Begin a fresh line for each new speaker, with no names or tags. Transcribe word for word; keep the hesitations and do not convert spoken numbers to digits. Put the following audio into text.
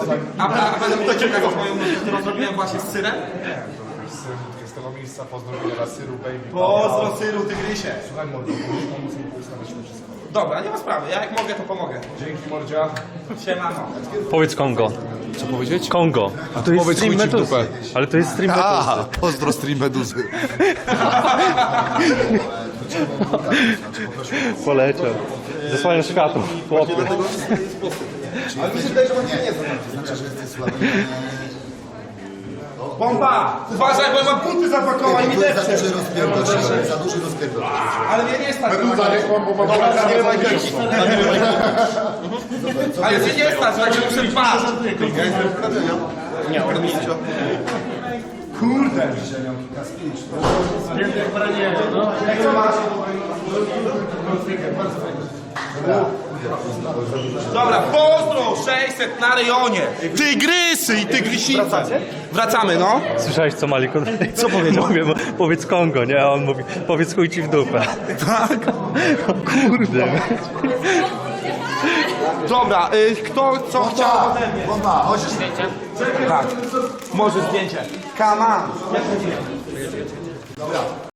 A, a, a będę mógł czekać na moją nóżkę, którą zrobiłem właśnie z syrem?
Z tego miejsca pozdrowienia dla Syru Baby.
Pozdro syru, tygrysie.
Słuchaj mordo, możesz pomóc mi poustawiać to wszystko.
Dobra, nie ma sprawy, ja jak mogę to pomogę.
Dzięki mordzia.
Siemano.
Powiedz Kongo.
Co powiedzieć?
Kongo. A to jest
Powiedz
stream
chuj ci w
Meduzy.
dupę.
Ale to jest stream Meduzy.
A, pozdro stream Meduzy.
Poleciał. Zasłania światło. Chłopie.
Ale mi się wydaje, że on nie Bomba! Uważaj, bo ja mam buty zapakowane i mi depcze.
Za duży rozpierdol, za duży rozpierdol.
Ale mnie nie stać.
Meduza, nie kłam, bo mam
Ale mnie nie stać, tak się muszę dwa. Nie, on mi idzie. Kurde. Jak co masz? Dobra, pozdro! sześćset na rejonie! Tygrysy i tygrysice! Wracacie? Wracamy, no.
Słyszałeś co Malik? Co powiedział? Mówię, powiedz Kongo, nie? A on mówi, powiedz chuj ci w dupę.
Tak?
Kurde.
Dobra, y, kto co chciał ode mnie?
Bomba, chodź.
Tak. Może zdjęcie. Come on.
Dobra.